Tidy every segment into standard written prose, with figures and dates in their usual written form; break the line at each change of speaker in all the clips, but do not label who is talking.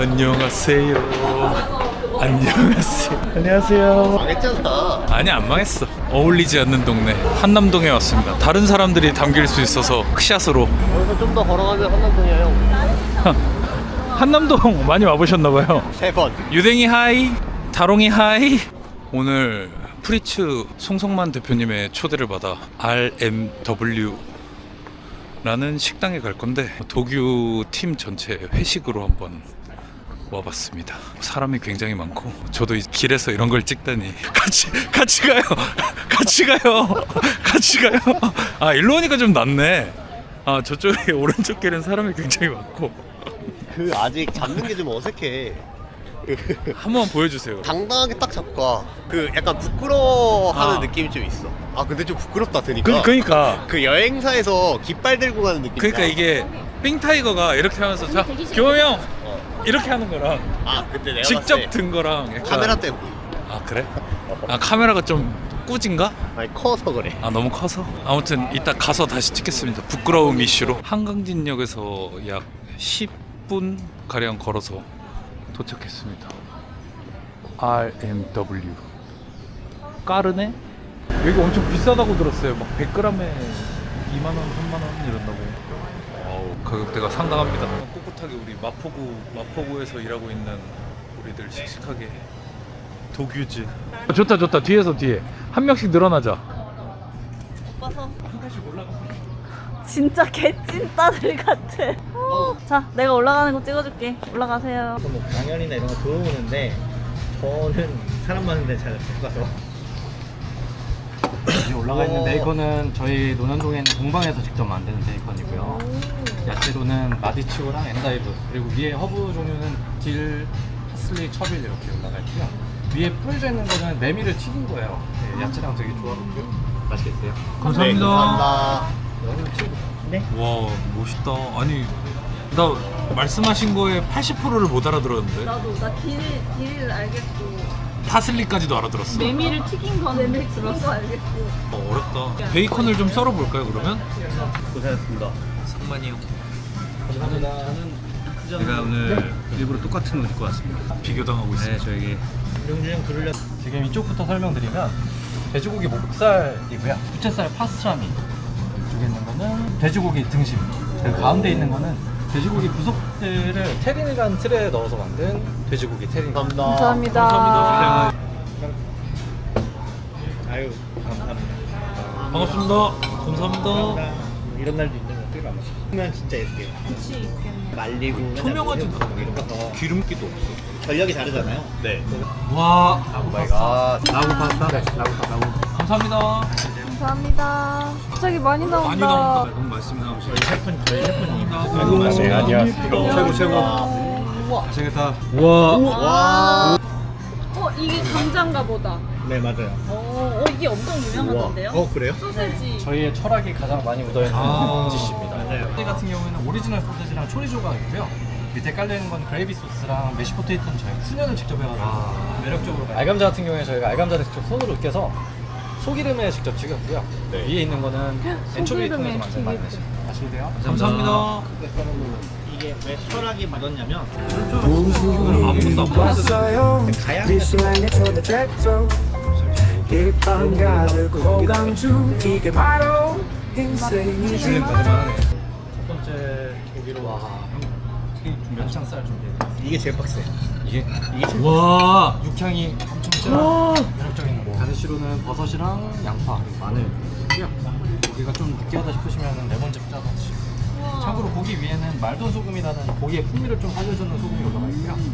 안녕하세요. 안녕하세요. 안녕하세요.
망했잖아.
아니 안 망했어. 어울리지 않는 동네 한남동에 왔습니다. 다른 사람들이 담길 수 있어서 크샷으로.
여기서 좀 더 걸어가면 한남동이야 형.
한남동 많이 와보셨나봐요.
3번.
유댕이 하이, 다롱이 하이. 오늘 프리츠 송성만 대표님의 초대를 받아 RMW 라는 식당에 갈 건데 도규 팀 전체 회식으로 한번 와봤습니다. 사람이 굉장히 많고 저도 이 길에서 이런 걸 찍다니 같이 가요. 같이 가요. 아 일로 오니까 좀 낫네. 아 저쪽에 오른쪽 길은 사람이 굉장히 많고.
그 아직 잡는 게 좀 어색해.
한번 보여주세요.
당당하게 딱 잡고 가. 그 약간 부끄러워하는
아.
느낌이 좀 있어. 아 근데 좀 부끄럽다 드니까.
그러니까
그 여행사에서 깃발 들고 가는 느낌.
그러니까 이게 삥타이거가 이렇게 하면서 자 교호 형 이렇게 하는 거랑
아 그때 내가
직접
봤을 때
든 거랑 약간
카메라 때문에.
아 그래? 아 카메라가 좀 꾸진가?
아니 커서 그래.
아 너무 커서? 아무튼 이따 가서 다시 찍겠습니다. 부끄러움 이슈로 한강진역에서 약 10분 가량 걸어서 도착했습니다. RMW 까르네? 여기 엄청 비싸다고 들었어요. 막 100g에 2만원, 3만원 이런다고. 어우, 가격대가 상당합니다. 꿋꿋하게 우리 마포구에서 일하고 있는 우리들 씩씩하게 도규즈. 좋다. 뒤에 한 명씩 늘어나자.
오빠서
한 칸씩 올라가.
진짜 개찐따들 같아. 자, 내가 올라가는 거 찍어줄게. 올라가세요.
뭐 강연이나 이런 거 들어오는데 저는 사람 많은데 잘 못 가서 여기 올라가 있는데 이거는 저희 논현동에 있는 공방에서 직접 만드는 베이컨이고요. 야채로는 마디치오랑 엔다이브, 그리고 위에 허브 종류는 딜, 파슬리, 처빌 이렇게 올라가 있고요. 위에 뿌려져 있는 거는 메밀을 튀긴 거예요. 네, 야채랑 되게 조화롭고요. 맛있겠어요?
네, 감사합니다.
네?
와 멋있다. 아니 나 말씀하신 거에 80%를 못 알아들었는데
나도 나 딜을 알겠고
파슬리까지도 알아들었어.
메밀을 튀긴 거는 들었어. 알겠고.
어렵다. 베이컨을 좀 썰어볼까요 그러면?
고생하셨습니다.
상만이 형
제가 오늘 일부러 똑같은 옷 입고 왔습니다.
비교당하고
네,
있습니다.
저에게
명주형 부르려. 지금 이쪽부터 설명드리면 돼지고기 목살이고요. 부채살 파스트라미. 이쪽에 있는 거는 돼지고기 등심. 그리고 가운데 있는 거는 돼지고기 부속들을 테린이라는 틀에 넣어서 만든 돼지고기 테린.
감사합니다.
감사합니다.
아유 감사합니다.
반갑습니다. 감사합니다.
이런 날도 있는 거 어떻게 알았어? 그러면 진짜 예쁘게
그치 있겠네.
말리고
투명하지도
맨날 이런 거서
기름기도 없어.
전력이 다르잖아요.
네.
와
오 마이 갓.
라구 파스타? 네, 라구 파스타.
감사합니다.
감사합니다. 갑자기 많이 나온다.
많이 나온다. 너무 말씀하고 싶어요.
저희 셰프님.
감사합니다.
안녕하세요.
최고.
맛있겠다.
와.
이게 감자인가 보다.
네 맞아요.
이게 엄청 유명하던데요?
그래요?
소세지.
저희의 철학이 가장 많이 묻어있는 디시입니다.
맞아요.
소세지 같은 경우에는 오리지널 소세지랑 초리조가 있고요. 밑에 깔려있는 건 그레이비 소스랑 메시 포테이토는 저희가 훈연을 직접 해가지고 매력적으로 가요. 알감자 같은 경우에 저희가 알감자를 직접 손으로 으깨서 소기름에 직접 튀겼고요.
네.
위에 있는 거는 엔초비를 통해서 만든
튀김.
마요네즈. 마시세요.
감사합니다.
이게 왜 철학이 묻었냐면
아무것도 안 보였어.
비스라는 손에 잭도 이방가를 고강주 이게 바로 인생이지
첫 번째 고기로 면창살 준비해드렸습니다.
이게 제일 빡세.
이게 제일
와.
육향이 엄청 진한 매력적인 거. 가니쉬로는 버섯이랑 양파 그리고 마늘 있고요. 고기가 좀 느끼하다 싶으시면 레몬즙 짜서 드시고. 참고로 고기 위에는 말돈 소금이라는 고기의 풍미를 좀 살려주는 소금이 올라가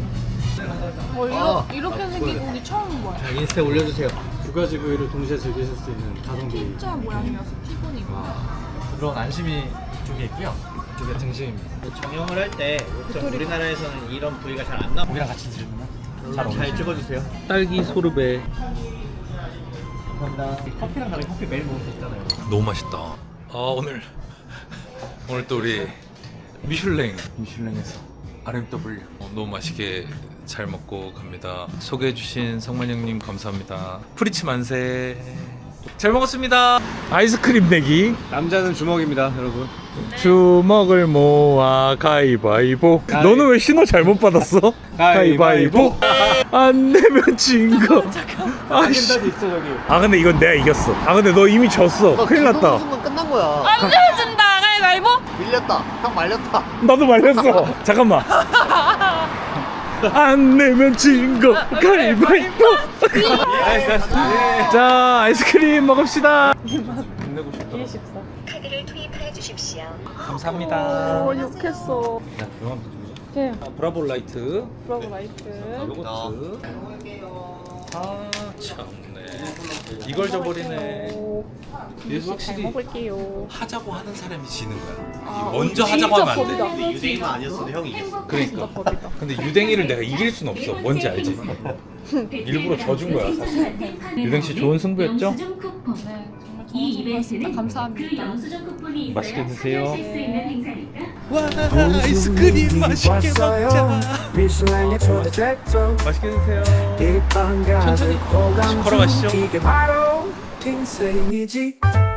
있고요.
이렇게 생긴 고기 처음 봐요.
인스타에 올려주세요. 두 가지 부위를 동시에 즐기실 수 있는 가성비.
진짜 모양이어서 피곤이고.
부드러운 안심이 이쪽에 있고요. 이쪽에 등심입니다.
정형을 할 때 우리나라에서는 이런 부위가 잘 안 나와.
고기랑 같이 드시면 잘
잘
어울리죠.
찍어주세요.
딸기 소르베.
감사합니다. 커피랑 다르게 커피 매일 먹을 수 있잖아요.
너무 맛있다. 아 오늘 또 우리 미슐랭에서 RMW 너무 맛있게 잘 먹고 갑니다. 소개해주신 성만 형님 감사합니다. 프리츠 만세. 잘 먹었습니다. 아이스크림 내기.
남자는 주먹입니다, 여러분.
주먹을 모아 가위바위보. 너는 왜 신호 잘못 받았어? 가위바위보. 안 내면 진 거. 아씨.
있어 저기.
아 근데 이건 내가 이겼어. 아 근데 너 이미 졌어. 큰일 났다.
순간 끝난 거야.
안 내준다 가위바위보.
밀렸다. 형 말렸다.
나도 말렸어. 잠깐만. 안 내면 진 거 가위바위보. 자 아이스크림 먹읍시다. 내고 싶다.
카드를 투입해 주십시오.
감사합니다.
욕했어.
자, 그럼
네.
브라보 라이트.
브라보 라이트.
요거트. 아 참네. 이걸 저버리네. 얘도 확실히
먹을게요.
하자고 하는 사람이 지는 거야. 먼저 하자고 하면 안 돼.
근데 유대인만 아니었어도 형이 이겼어.
그러니까. 근데 유댕이를 내가 이길 순 없어. 뭔지 알지? 일부러 져준 거야 사실. 유댕 씨 좋은 승부였죠?
이 이벤트는
감사합니다.
영수증 쿠폰이
맛있게 드세요.
쓸수 있는 행사니까.
와 아이스크림 맛있게 먹자.
미슐랭의 초대장소
맛있게 드세요.
이 밤 가득
천천히
호감
걸어가시죠.
이게 바로 인생이지